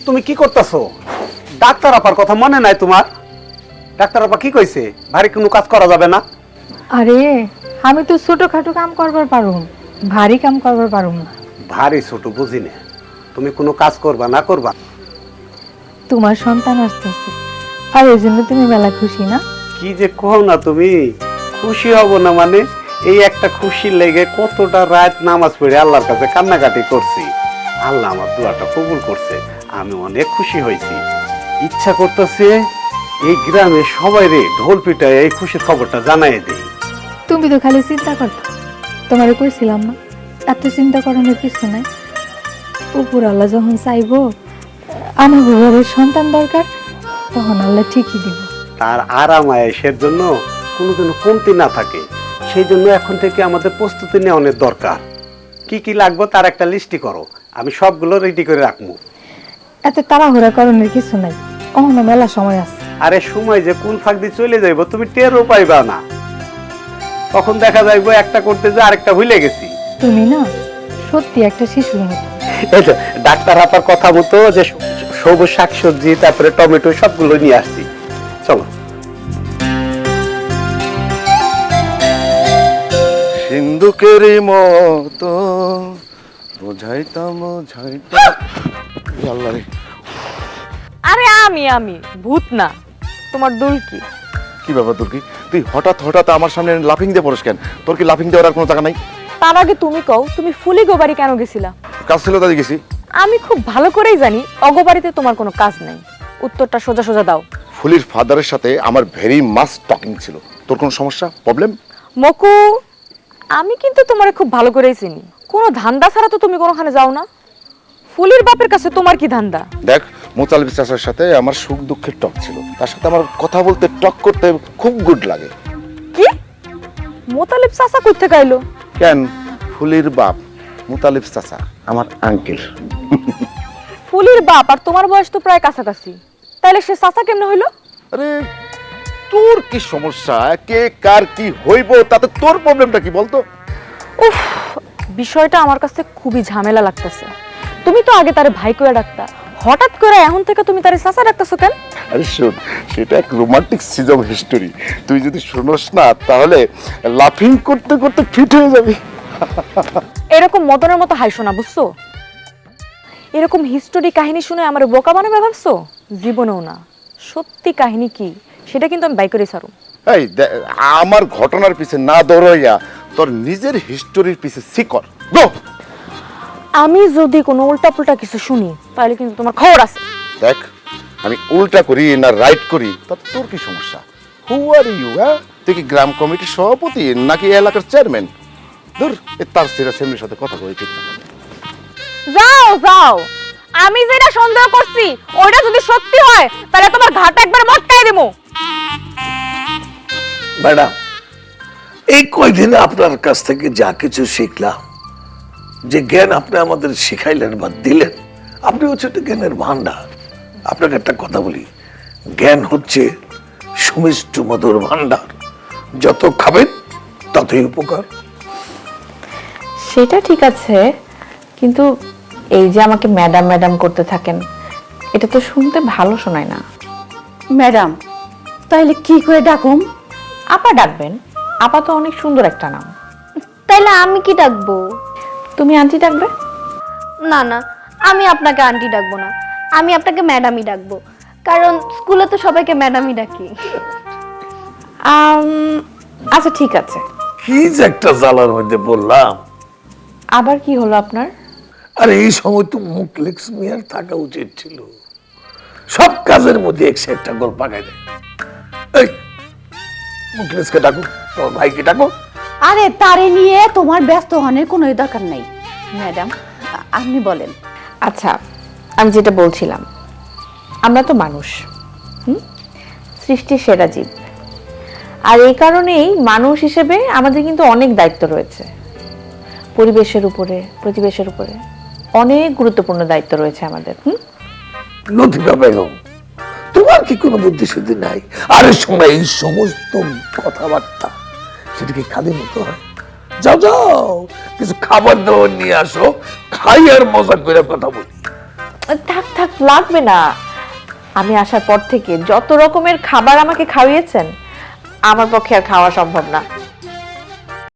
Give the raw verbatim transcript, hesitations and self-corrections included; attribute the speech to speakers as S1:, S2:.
S1: তুমি কি করতেছো? ডাক্তার আপার কথা মনে নাই তোমার? ডাক্তার আপা কি কইছে? ভারী কোনো কাজ করা যাবে না।
S2: আরে আমি তো ছোটখাটো কাম করবার পারুম, ভারী কাম করবার পারুম না।
S1: ভারী ছোট বুঝি না, তুমি কোনো কাজ করবা না করবা?
S2: তোমার সন্তান আসতেছে আর এই জন্য তুমি মেলা খুশি না?
S1: কি যে কও না তুমি, খুশি হব না মানে? এই একটা খুশি লেগে কতটা রাত নামাজ পড়ে আল্লাহর কাছে কান্নাকাটি করছি। আল্লাহ আমার দোয়াটা কবুল করছে, আমি অনেক খুশি হয়েছি। ইচ্ছা করতেছে এই গ্রামে সবাই রে ঢোল পিটায় এই খুশির খবরটা জানাই দেই।
S2: তুমি তো খালি চিন্তা করতো, তোমারে কইছিলাম না এত চিন্তা করানোর কিছু নাই। উপর আল্লাহ যখন চাইবো আমার ঘরের সন্তান দরকার, তখন আল্লাহ ঠিকই দিব।
S1: তার আরাম আয়েশের জন্য কোনো যেন কমতি না থাকে, সেই জন্য এখন থেকে আমাদের প্রস্তুতি নেওয়া অনেক দরকার। কি কি লাগবে তার একটা লিস্টি করো, আমি সবগুলো রেডি করে রাখবো।
S2: এত তাড়াহুড়া করণের কিছু নাই, অন্য মেলা সময় আছে।
S1: আরে সময় যে কোন ফাঁক দিয়ে চলে যাইব তুমি টেরও পাইবা না, তখন দেখা যাইব একটা করতে যে আরেকটা ভুলে গেছি।
S2: তুমি না সত্যি একটা শিশুর মতো।
S1: এই তো ডাক্তার আপার কথা মতো যে সবুজ শাকসবজি তারপরে টমেটো সবগুলো নিয়ে আসছি, চলো।
S3: সিন্ধুকের মতো বোঝাইতাম বোঝাইতাম আল্লাহ রে।
S4: আরে আমি আমি ভূত না, তোমার দুল কি?
S3: কি ব্যাপার তোর কি? তুই হঠাৎ হঠাৎ আমার সামনে লাফিং দিয়ে পড়িস কেন? তোর কি লাফিং দেওয়ার আর কোনো জায়গা নাই?
S4: তার আগে তুমি কও, তুমি ফুলি গোবাড়ি কেন গেছিলা?
S3: কাজ ছিল তাই গেছি।
S4: আমি খুব ভালো করেই জানি অগোবাড়িতে তোমার কোনো কাজ নাই। উত্তরটা সোজা সোজা দাও।
S3: ফুলির ফাদারের সাথে আমার ভেরি মাস টকিং ছিল। তোর কোনো সমস্যা, প্রবলেম?
S4: মকু, আমি কিন্তু তোমারে খুব ভালো করেই চিনি। কোনো ধান্দা ছাড়া তো তুমি কোনোখানে যাও না। ফুলির বাপের কাছে তোমার কি ধান্দা?
S3: দেখ, মোতালিব চাচার সাথে আমার সুখ দুঃখের টক ছিল, তার সাথে আমার কথা বলতে টক করতে খুব গুড লাগে।
S4: কি? মোতালিব চাচা কই থেকে আইলো?
S3: কেন? ফুলির বাপ মোতালিব চাচা আমার আঙ্কেল।
S4: ফুলির বাপ আর তোমার বয়স তো প্রায় কাছাকাছি, তাইলে সে চাচা কেমনে হইলো?
S3: আরে তোর কি সমস্যা? কে কার কি হইব তাতে তোর প্রবলেমটা কি বলতো?
S4: উফ, বিষয়টা আমার কাছে খুবই ঝামেলা লাগতেছে। তুমি তো আগে তারে ভাই কইয়া ডাকতা, হঠাৎ করে এখন থেকে তুমি তারে চাচা ডাকতেছো কেন?
S3: আরে শোন, সেটা এক রোমান্টিক সিজ অফ হিস্টোরি। তুই যদি শুনোস না তাহলে লাফিং করতে করতে ফিট হয়ে যাবি।
S4: এরকম মদনের মতো হাইশো না, বুঝছো? এরকম হিস্টোরি কাহিনী শুনে আমার বোকা বানাবে ভাবছো? জীবনেও না। সত্যি কাহিনী কি সেটা কিন্তু আমি বাই করে ছাড়ু।
S3: এই আমার ঘটনার পিছে না দৌড়াইয়া তোর নিজের হিস্টোরির পিছে শিকর গো।
S4: আমি যদি কোনো উল্টাপুল্টা কিছু শুনি তাহলে কিন্তু তোমার খবর আছে।
S3: দেখ, আমি উল্টা করি না রাইট করি তাতে তোর কি সমস্যা? Who are you? হ্যাঁ, তুই কি গ্রাম কমিটির সভাপতি নাকি এলাকার চেয়ারম্যান? ধুর, এ তার সেরা সেমনির সাথে কথা কই ঠিক না।
S4: যাও যাও, আমি যেটা সন্দেহ করছি ওইটা যদি সত্যি হয় তাহলে তোমার ঘাট একবার মটকাই দেবো।
S5: ম্যাডাম, এই কয়দিনে আপনার কাছ থেকে যা কিছু শিখলাম, যে জ্ঞান আপনি আমাদের শিখাইলেন বা দিলেন, আপনি হচ্ছে একটা জ্ঞানের ভান্ডার। আপনাকে একটা কথা বলি, জ্ঞান হচ্ছে সুমিষ্ট মধুর ভান্ডার, যত খাবেন ততই উপকার।
S6: সেটা ঠিক আছে, কিন্তু এই যে আমাকে ম্যাডাম ম্যাডাম করতে থাকেন, এটা তো শুনতে ভালো শোনায় না।
S7: ম্যাডাম, তাইলে কি করে ডাকুম?
S6: আপা ডাকবেন, আপা তো অনেক সুন্দর একটা নাম।
S8: তাইলে আমি কি ডাকবো?
S6: তুমি আন্টি ডাকবে?
S8: না না, আমি আপনাকে আন্টি ডাকবো না, আমি আপনাকে ম্যাডামই ডাকবো, কারণ স্কুলে তো সবাইকে ম্যাডামই ডাকি।
S6: আম, আচ্ছা ঠিক আছে।
S5: কি যে একটা জ্বালার মধ্যে বললাম।
S6: আবার কি হলো আপনার?
S5: আরে এই সময় তো মুখলেক্স মিয়ার থাকা উচিত ছিল, সব কাজের মধ্যে একশো একটা গোল পাকাই দেয়। এই মুখলেক্সকে ডাকো, তোমার ভাইকে ডাকো।
S7: আরে তারে নিয়ে তোমার ব্যস্ত হওয়ার কোনো দরকার নাই। ম্যাডাম, আপনি বলেন।
S6: আচ্ছা, আমি যেটা বলছিলাম, আমরা তো মানুষ, হুম, সৃষ্টির সেরা জীব, আর এই কারণেই মানুষ হিসেবে আমাদের কিন্তু অনেক দায়িত্ব রয়েছে। পরিবেশের উপরে, প্রতিবেশের উপরে অনেক গুরুত্বপূর্ণ দায়িত্ব রয়েছে আমাদের। হুম,
S5: লতিফা বেগম, তোমার কি কোনো বুদ্ধি শুদ্ধি নাই? আরে শোনা, এই সমস্ত কথাবার্তা সেটা কি খালি মতো হয়? যাও যাও, কিছু খাবার দাবার নিয়ে আসো, খাই আর মজা করে কথা বলি।
S6: থাক থাক, লাগবে না। আমি আসার পর থেকে যত রকমের খাবার আমাকে খাওয়িয়েছেন, আমার পক্ষে আর খাওয়া সম্ভব না।